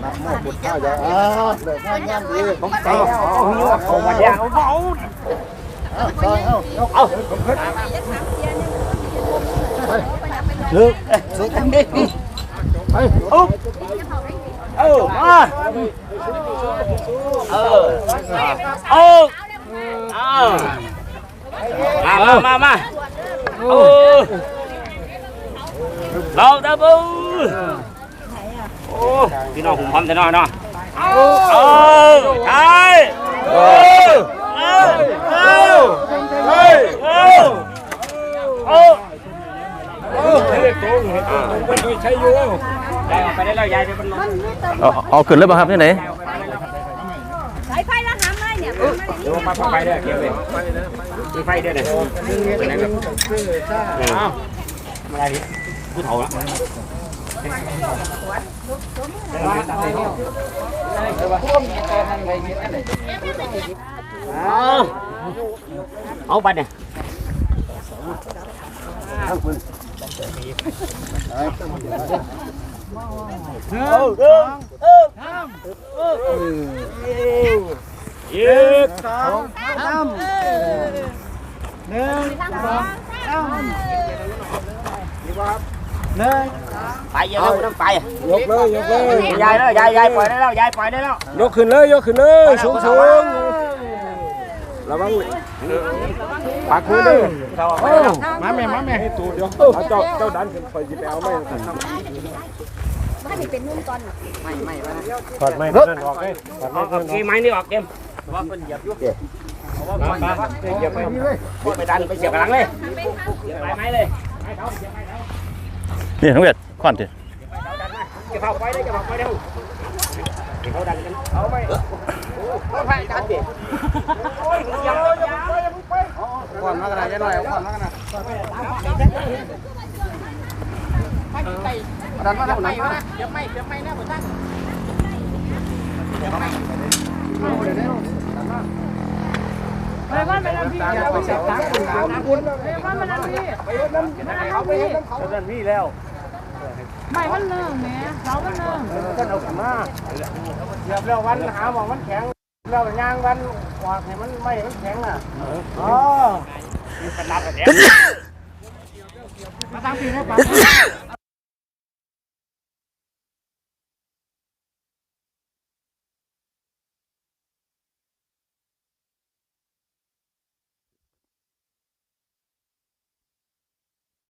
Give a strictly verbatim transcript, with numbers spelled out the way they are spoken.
โม่บุญข้าวจะอ่าเลิกงานงานดีผมใจเอาเอามาแย่เอาเอาเอาเอาเอาผมขึ้นลึกสุดกันดิไปอุ๊บเออมาเออเออเอามามามาเออเราตะบูโอ้พี่น้องหุ่มพร้อมจะนอนเนาะเออใช่เออเออเออเออเออเออเออเด็กโตมันไม่ใช่อยู่ยายออกไปได้แล้วยายจะเป็นลมเอาเอาขึ้นเลยป่ะครับที่ไหนสายไฟละหามเลยเนี่ยเดี๋ยวมาไฟด้วยเกี่ยวเลยมีไฟด้วยเนี่ยเป็นไงครับมาอะไรผู้เฒ่าละเอาไปเนี่ยเออเออเออเออยืดสองสามหนึ่งสองสามหนึ่งไปเยอะแล้วต้องไปยกเลยยกเลยยายแล้วยายยายปล่อยได้แล้วยายปล่อยได้แล้วยกขึ้นเลยยกขึ้นเลยสูงสูงระวังปากมือเลยมาแม่มาแม่ให้ตูดเดี๋ยวเจ้าเจ้าดันขึ้นไปจีบเอาไม่ถ้ามีเป็นนุ่มตอนไม่ไม่ถอดไม่นั่นออกเลยถอดไม่เกมไม้นี่ออกเกมว่าเป็นเหยียบยุ่งเพราะว่ามันเหยียบไปไปดันไปเสียบกำลังเลยเหยียบไปไม้เลยไม้เขาเหยียบไปแล้วนี่ทั้งเวทขวัญทีจะเข้าไปได้จะเข้าไปเร็วเขาดันกันเอาไปเขาพายดันดิก่อนมากระไรจะหน่อยก่อนมากระไรดันมาแล้วไหนวะเดี๋ยวไม่เดี๋ยวไม่แน่หมดท่านไปบ้านไปแล้วพี่อย่าไปเสียบตังค์ไปบ้านไปแล้วพี่ไปน้ำเขาไปน้ำเขาดันมีแล้วไม่มันเนื่องเนี่ยเรามันเนื่องก็เอาขึ้นมาเสียบแล้ววันหาหมองมันแข็งแล้วยางวันวางให้มันไม่มันแข็งน่ะอ๋อขนาดแบบนี้มาตั้งปีให้ปัง